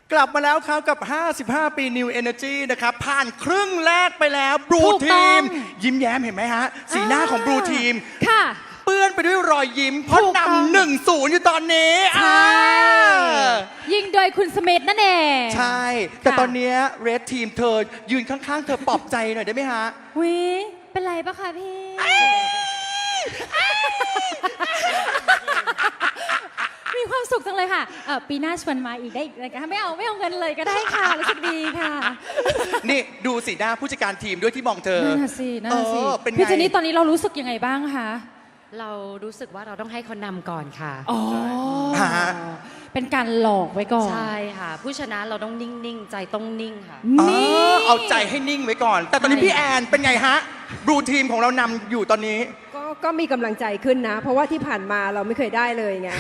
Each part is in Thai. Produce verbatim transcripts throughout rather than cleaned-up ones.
กลับมาแล้วครับกับ ห้าสิบห้า ปี New Energy นะครับ ผ่านครึ่งแรกไปแล้วบลูถูกต้ทีองมยิ้มแย้มเห็นไหมฮะ สีหน้าของบลูทีมค่ะเปื้อนไปด้วยรอยยิ้ม เพราะถูกต้องนำหนึ่งศูนย์อยู่ตอนนี้ใช่อ่ายิงโดยคุณสมิธนั่นเองใช่ แต่ค่ะตอนนี้เรดทีมเธอยืนข้างๆ เธอปลอบใจหน่อยได้ไหมฮะวิเป็นไรปะคะพี่ มีความสุขจังเลยค่ะเอ่อปีหน้าชวนมาอีกได้อีกนะคะไม่เอาไม่เอาเงินเลยก็ได้ค่ะรู้สึกดีค่ะนี่ดูสีหน้าผู้จัดการทีมด้วยที่มองเธอนั่นน่ะสินั่นน่ะสิเออเป็นไงพี่เจนนี่ตอนนี้เรารู้สึกยังไงบ้างคะเรารู้สึกว่าเราต้องให้เขานำก่อนค่ะอ๋อฮะเป็นการหลอกไว้ก่อนใช่ค่ะ ผู้ชนะเราต้องนิ่ง ๆ ใจต้องนิ่งค่ะเอนี่อเอาใจให้นิ่งไว้ก่อน แต่ตอนนี้ใช่พี่แอนเป็นไงฮะบลูทีมของเรานำอยู่ตอนนี้ก็ก็มีกำลังใจขึ้นนะ เพราะว่าที่ผ่านมาเราไม่เคยได้เลยไง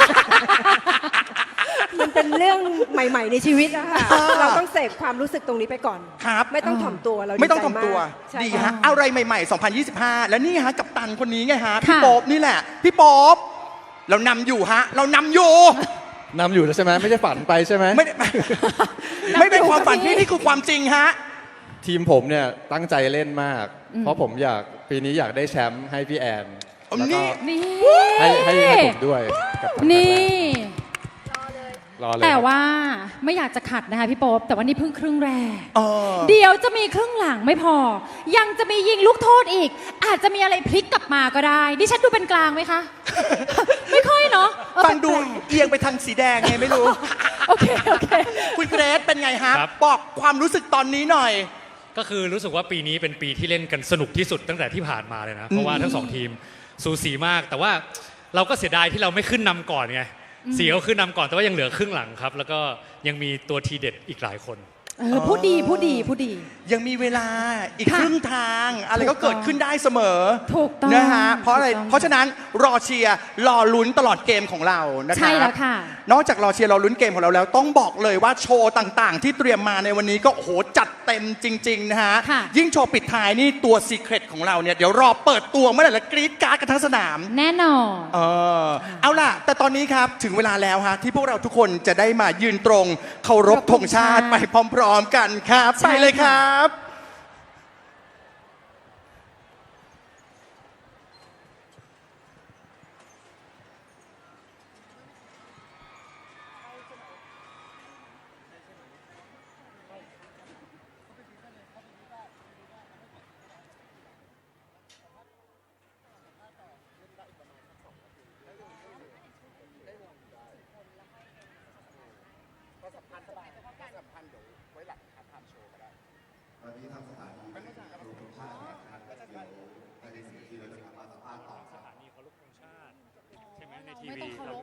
มันเป็นเรื่องใหม่ ๆ ในชีวิตอะค่ะอ่าเราต้องเสพความรู้สึกตรงนี้ไปก่อนครับไม่ต้องถ่อมตัวเราไม่ต้องใจทำตัวมากใช่ดีค่ฮะอะไรใหม่ๆ สองพันยี่สิบห้า แล้วนี่ฮะกับตันคนนี้ไงฮะ พี่ค่ะโป๊บนี่แหละ พี่โป๊บเรานำอยู่ฮะ เรานำอยู่นำอยู่แล้วใช่ไหมไม่ใช่ฝันไปใช่ไหมไม่ได้ ไม่เป็นความฝันพี่นี่คือความจริงฮะทีมผมเนี่ยตั้งใจเล่นมาก เพราะผมอยากปีนี้อยากได้แชมป์ให้พี่แอนเอาแล้วนี่ก็นี่ให้ให้ให้ผมด้วยกับทางนี่รอเลยแต่ครับว่าไม่อยากจะขัดนะคะพี่โป๊ปแต่ว่านี่เพิ่งครึ่งแรกเออเดี๋ยวจะมีครึ่งหลังไม่พอ ยังจะมียิงลูกโทษอีก อาจจะมีอะไรพลิกกลับมาก็ได้ดิฉันดูเป็นกลางไหมคะ ไม่ค่อยเนาะเออฟังดูแปลกเอียงไปทางสีแดงไงไม่รู้ๆโอเคโอเคคุณเกรซเป็นไงฮะครับบอกความรู้สึกตอนนี้หน่อยก็คือรู้สึกว่าปีนี้เป็นปีที่เล่นกันสนุกที่สุดตั้งแต่ที่ผ่านมาเลยนะ เพราะว่าทั้งสองทีมสูสีมาก แต่ว่าเราก็เสียดายที่เราไม่ขึ้นนำก่อนไงเสียเขาขึ้นนำก่อนแต่ว่ายังเหลือครึ่งหลังครับ แล้วก็ยังมีตัวทีเด็ดอีกหลายคนเออพูดดีพูดดีพูดดียังมีเวลาอีกค่ะครึ่งทาง อะไรก็ถูกต้องเกิดขึ้นได้เสมอถูกต้องนะฮะเพราะอะไรถูกต้องเพราะฉะนั้นรอเชียร์รอลุ้นตลอดเกมของเรานะครับใช่แล้วค่ะนอกจากรอเชียร์รอลุ้นเกมของเราแล้ว ต้องบอกเลยว่าโชว์ต่างๆ ที่เตรียมมาในวันนี้ก็โอ้โหจัดเต็มจริง ๆ นะฮะค่ะยิ่งโชว์ปิดท้ายนี่ตัวซีเครตของเราเนี่ยเดี๋ยวรอเปิดตัวเมื่อไหร่แล้วกรี๊ดกราร์ดกันทั้งสนามแน่นอนเออเอาล่ะ แต่ตอนนี้ครับถึงเวลาแล้วฮะที่พวกเราทุกคนจะได้มายืนตรงเคารพธงชาติไปพร้อม ๆ กันครับใช่ไปเลยครับวันนี้ทางสถานีเป็นโรงชาตินะครับเดี๋ยวภายในสิบนาทีเราจะกลับมาสัมภาษณ์ต่อครับสถานีเคารพธงชาติใช่ไหมในทีไม่วีต้องเคารพ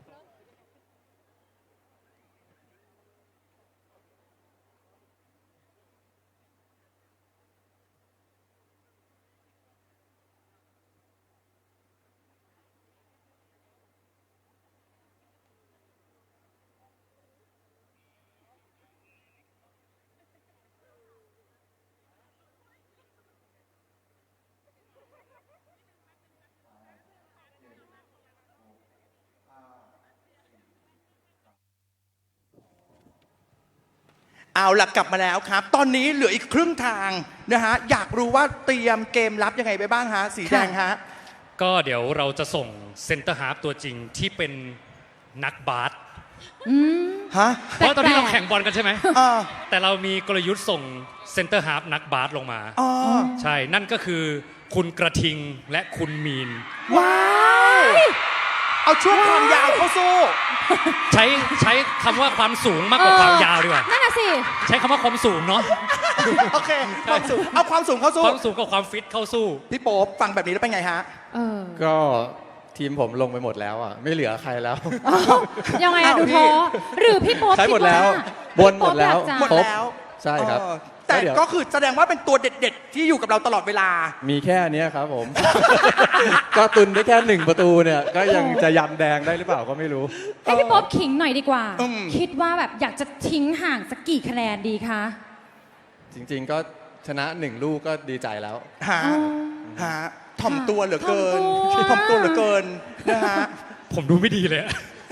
เอาล่ะกลับมาแล้วครับ ตอนนี้เหลืออีกครึ่งทางนะฮะอยากรู้ว่าเตรียมเกมรับยังไงไปบ้างฮะสีแดงฮะก็เดี๋ยวเราจะส่งเซนเตอร์ฮาร์ฟตัวจริงที่เป็นนักบาสฮะเพราะตอนนี้เราแข่งบอลกันใช่ไหมอ่าแต่เรามีกลยุทธ์ส่งเซนเตอร์ฮาร์ฟนักบาสลงมาอ๋อใช่ นั่นก็คือคุณกระทิงและคุณมีนว้าวเอาช่วงความยาวเข้าสู้ใช้ใช้คำว่าความสูงมากกว่าความยาวดีกว่านั่นน่ะสิใช้คำว่าความสูงเนาะโอเคความสูงเอาความสูงเข้าสู้ความสูงกับความฟิตเข้าสู้พี่โป๊ปฟังแบบนี้แล้วเป็นไงฮะเออก็ทีมผมลงไปหมดแล้วอ่ะไม่เหลือใครแล้วยังไงอะอ้าวดูพี่ท้อหรือพี่โป๊ปใช้หมดแล้วคิาบนหมดแล้วพี่หมโป๊ดปอยากจะแล้วใช่ครับเออแต่ก็เดี๋ยวก็คือแสดงว่าเป็นตัวเด็ดๆ ที่อยู่กับเราตลอดเวลามีแค่เนี้ยครับผม ก็ตุนได้แค่หนึ่งประตูเนี่ย ก็ยังจะยันแดงได้หรือเปล่าก็ไม่รู้ให้พี่โป๊ปขิงหน่อยดีกว่าอืมคิดว่าแบบอยากจะทิ้งห่างสักกี่คะแนนดีคะจริงๆก็ชนะหนึ่งลูกก็ดีใจแล้วฮะอ๋อฮะถ่อมตัวเหลือเกินถ่อมตัวถ่อมตัวเหลือเกินนะฮะผมดูไม่ดีเลยอะ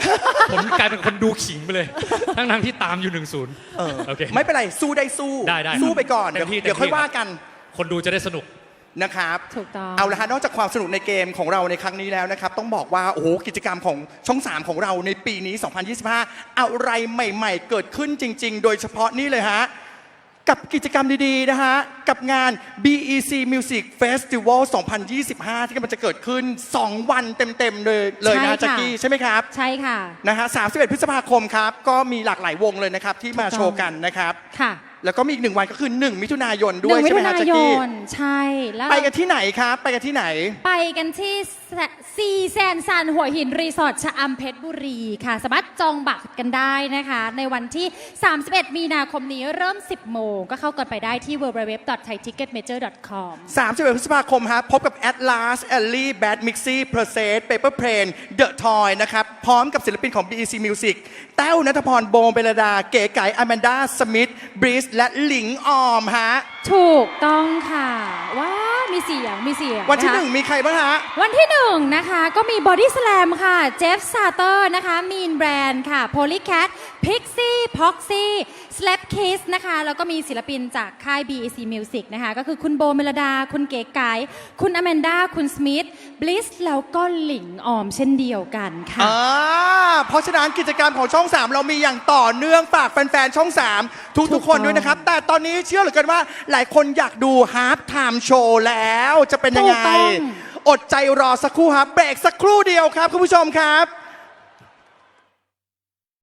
ผมกลายเป็นคนดูขิงไปเลย ทั้งทั้งๆที่ตามอยู่หนึ่งศูนย์เออโอเคไม่เป็นไร สู้ได้สู้ได้ได้สู้ไปก่อนเต็เดี๋ยวมที่เดี๋ยวค่อยเต็มที่ว่ากันคนดูจะได้สนุกนะครับถูกต้องเอาละฮะนอกจากความสนุกในเกมของเราในครั้งนี้แล้วนะครับ ต้องบอกว่าโอ้โหกิจกรรมของช่อง สาม ของเราในปีนี้ สองพันยี่สิบห้า อะไรใหม่ ๆ เกิดขึ้นจริง ๆ โดยเฉพาะนี่เลยฮะ กับกิจกรรมดีๆนะฮะ กับงาน บี อี ซี Music Festival สองพันยี่สิบห้า ที่กำลังจะเกิดขึ้น สอง วันเต็ม ๆ เลยเลยนะใช่ฮะค่ะแจ็คกี้ใช่ไหมครับใช่ค่ะนะฮะสามสิบเอ็ดพฤษภาคมครับ ก็มีหลากหลายวงเลยนะครับ ที่มาโชว์กันนะครับค่ะแล้วก็มีอีกหนึ่งวันก็คือ หนึ่ง มิถุนายนหด้วยนึ่งมิใช่ไหมถุฮะนาแจ็คยกี้นใช่แล้วไปกันที่ไหนครับ ไปกันที่ไหนไปกันที่ซีแซนซันหัวหินรีสอร์ทชะอำเพชรบุรีค่ะ สามารถจองบัตรกันได้นะคะ ในวันที่ สามสิบเอ็ด มีนาคมนี้เริ่ม สิบ โมง ก็เข้ากันไปได้ที่ ดับเบิลยู ดับเบิลยู ดับเบิลยู ดอท ไทย ทิกเก็ต เมเจอร์ ดอท คอมสามสิบเอ็ด พฤษภาคมฮะพบกับ Atlas, Ellie, Bad Mixie, Process, Paper Plane, The Toy นะครับ พร้อมกับศิลปินของ บี อี ซี Music แต้วณัฐพร โบมเบลดา เก๋ไก่อแมนดา สมิธ บริส และหลิงออมฮะถูกต้องค่ะ ว้าว มีเสียง มีเสียงวันที่ะคะหนึ่งมีใครบ้างฮะวันที่หนึ่งนะคะก็มี Body Slam ค่ะ เจฟซาเตอร์นะคะ Mean Brand ค่ะ Polycat Pixie Poxy Slap Kiss นะคะ แล้วก็มีศิลปินจากค่าย บี อี ซี Music นะคะ ก็คือคุณโบเมลดา คุณเก๋ไก๋คุณอแมนดา คุณสมิธ บลิส แล้วก็หลิงออมเช่นเดียวกันค่ะอ่า เพราะฉะนั้นกิจกรรมของช่อง สาม เรามีอย่างต่อเนื่องฝากแฟนๆ ช่อง สาม ทุกๆ คนด้วยนะครับ แต่ตอนนี้เชื่อเหลือเกินว่าหลายคนอยากดูฮาร์ t ไทม์โชว์แล้วจะเป็นยังไงถูกต้องอดใจรอสักครู่ครับเบรกสักครู่เดียวครับคุณผู้ชมครับ